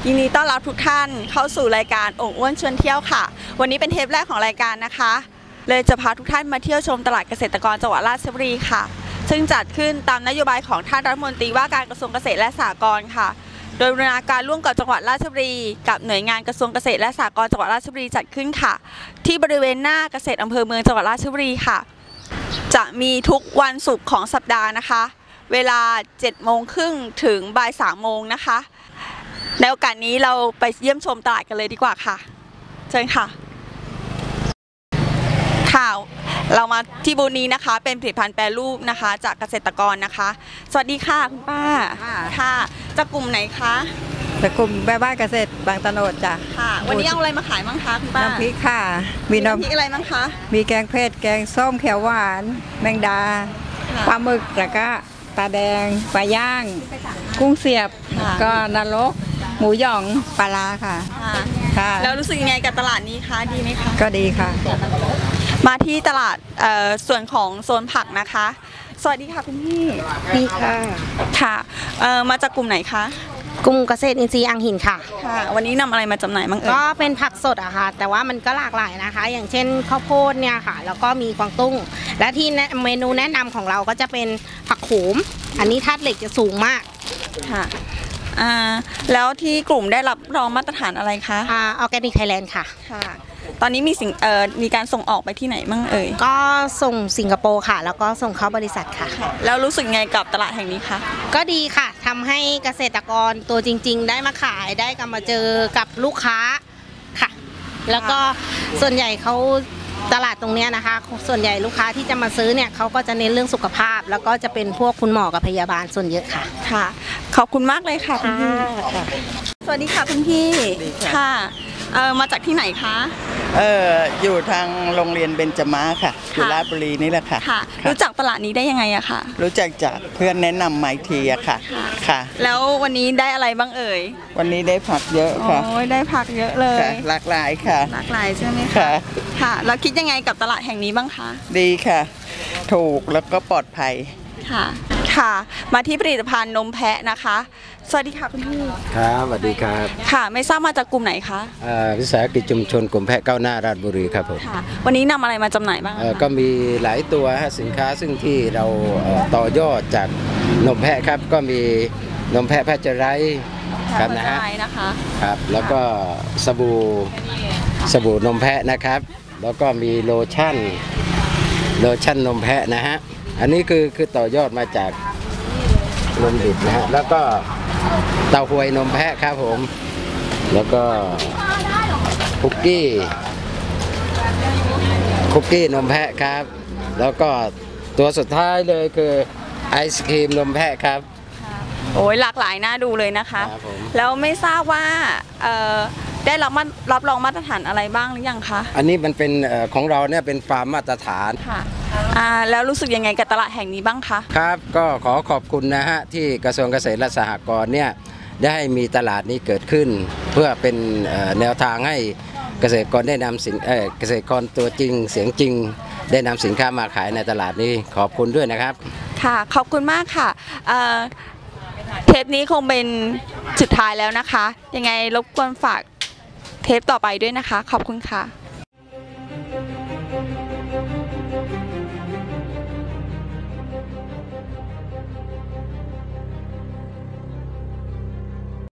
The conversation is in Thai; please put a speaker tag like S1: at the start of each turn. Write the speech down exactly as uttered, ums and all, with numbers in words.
S1: ยินดีต้อนรับทุกท่านเข้าสู่รายการโอ่งอ้วนชวนเที่ยวค่ะวันนี้เป็นเทปแรกของรายการนะคะเลยจะพาทุกท่านมาเที่ยวชมตลาดเกษตรกรจังหวัดราชบุรีค่ะซึ่งจัดขึ้นตามนโยบายของท่านรัฐมนตรีว่าการกระทรวงเกษตรและสหกรณ์ค่ะโดยบูรณาการร่วมกับจังหวัดราชบุรีกับหน่วยงานกระทรวงเกษตรและสหกรณ์จังหวัดราชบุรีจัดขึ้นค่ะที่บริเวณหน้าเกษตรอำเภอเมืองจังหวัดราชบุรีค่ะจะมีทุกวันศุกร์ของสัปดาห์นะคะเวลาเจ็ดโมงครึ่งถึงบ่ายสามโมงนะคะในโอกาสนี้เราไปเยี่ยมชมตลาดกันเลยดีกว่าค่ะเชิญค่ะค่ะเรามาที่บูธนี้นะคะเป็นผลิตภัณฑ์แปรรูปนะคะจากเกษตรกรนะคะสวัสดีค่ะคุณป้าค่ะจากกลุ่มไหนคะ
S2: จากกลุ่มแม่บ้านเกษตรบางตะโนดจ้ะ
S1: ค่ะวันนี้เอาอะไรมาขายบ้างคะคุณป้า
S2: น้ำพริกค่ะ
S1: มีน้ำพริกอะไรบ้างคะ
S2: มีแกงเผ็ดแกงส้มเขียวหวานแมงดาปลาหมึกแล้วก็ปลาแดงปลาย่างกุ้งเสียบก็นรกหมูหยองปลาลาค่ะ
S1: ค่ะแล้วรู้สึกยังไงกับตลาดนี้คะดีไหมคะ
S2: ก็ดีค่ะ
S1: มาที่ตลาดส่วนของโซนผักนะคะสวัสดีค่ะคุณพี่
S2: ดีค่ะ
S1: ค่ะมาจากกลุ่มไหนคะ
S3: กลุ่มเกษตรอินทรีย์อ่างหินค่ะ
S1: ค่ะวันนี้นำอะไรมาจำหน่ายบ้างเอ่ย
S3: ก็เป็นผักสดอะค่ะแต่ว่ามันก็หลากหลายนะคะอย่างเช่นข้าวโพดเนี่ยค่ะแล้วก็มีกวางตุ้งและที่เมนูแนะนำของเราก็จะเป็นผักโขมอันนี้ธาตุเหล็กจะสูงมาก
S1: ค่ะอ่าแล้วที่กลุ่มได้รับรองมาตรฐานอะไรคะ
S3: อ่าออร์แกนิกไทยแลนด์ค่ะ
S1: ค่ะตอนนี้มีสิ่งเอ่อมีการส่งออกไปที่ไหนบ้างเอ่ย
S3: ก็ส่งสิงคโปร์ค่ะแล้วก็ส่งเข้าบริษัทค่ะ
S1: แล้วรู้สึกไงกับตลาดแห่งนี้คะ
S3: ก็ดีค่ะทำให้เกษตรกรตัวจริงๆได้มาขายได้กลับมาเจอกับลูกค้าค่ะแล้วก็ส่วนใหญ่เขาตลาดตรงนี้นะคะส่วนใหญ่ลูกค้าที่จะมาซื้อเนี่ยเขาก็จะเน้นเรื่องสุขภาพแล้วก็จะเป็นพวกคุณหมอกับพยาบาลส่วนเยอะค่ะ
S1: ค่ะขอบคุณมากเลยค่ะคุณพี่สวัสดีค่ะคุณพี่ค่ะเออมาจากที่ไหนคะ
S4: เอออยู่ทางโรงเรียนเบญจมาค่ะอยู่ราชบุรีนี่แหละค่ะ
S1: ค่ะรู้จักตลาดนี้ได้ยังไงอะค่ะ
S4: รู้จักจากเพื่อนแนะนำมาอีกทีอะค่ะค่ะ
S1: แล้ววันนี้ได้อะไรบ้างเอ่ย
S4: วันนี้ได้ผักเยอะค่ะ
S1: โอ้ยได้ผักเยอะเลย
S4: หลากหลายค่ะ
S1: หลากหลายใช่ไหมคะค่ะแล้วคิดยังไงกับตลาดแห่งนี้บ้างคะ
S4: ดีค่ะถูกแล้วก็ปลอดภัย
S1: ค่ะค่ะมาที่ผลิตภัณฑ์นมแพะนะคะสวัสดีค่ะคุณพี่
S5: ครับสวัสดีครับ
S1: ค่ะไม่ทราบมาจากกลุ่มไหนคะ
S5: วิสาหกิจชุมชนกลุ่มแพะก้าวหน้าราชบุรีครับผม
S1: ค่ะวันนี้นำอะไรมาจำหน่ายบ้าง
S5: ก็มีหลายตัวสินค้าซึ่งที่เราต่อยอดจากนมแพะครับก็มีนมแพะแพะจะไรครับนะฮะครับแล้วก็สบู่สบู่นมแพะนะครับแล้วก็มีโลชั่นโลชั่นนมแพะนะฮะอันนี้คือคือต่อยอดมาจากนมดิบนะฮะแล้วก็เต้าหวยนมแพะครับผมแล้วก็คุกกี้คุกกี้นมแพะครับแล้วก็ตัวสุดท้ายเลยคือไอศครีมนมแพะครับ
S1: โอ้ยหลากหลายน่าดูเลยนะคะแล้วไม่ทราบว่าได้รับรับรองมาตรฐานอะไรบ้างหรือยังคะ
S5: อันนี้มันเป็นของเราเนี่ยเป็นฟาร์มมาตรฐาน
S1: ค่ะแล้วรู้สึกยังไงกับตลาดแห่งนี้บ้างคะ
S5: ครับก็ขอขอบคุณนะฮะที่กระทรวงเกษตรและสหกรณ์เนี่ยได้มีตลาดนี้เกิดขึ้นเพื่อเป็นแนวทางให้เกษตรกรได้นำสินเกษตรกรตัวจริงเสียงจริงได้นำสินค้ามาขายในตลาดนี้ขอบคุณด้วยนะครับ
S1: ค่ะขอบคุณมากค่ะเทปนี้คงเป็นสุดท้ายแล้วนะคะยังไงรบกวนฝากเทปต่อไปด้วยนะคะขอบคุณค่ะ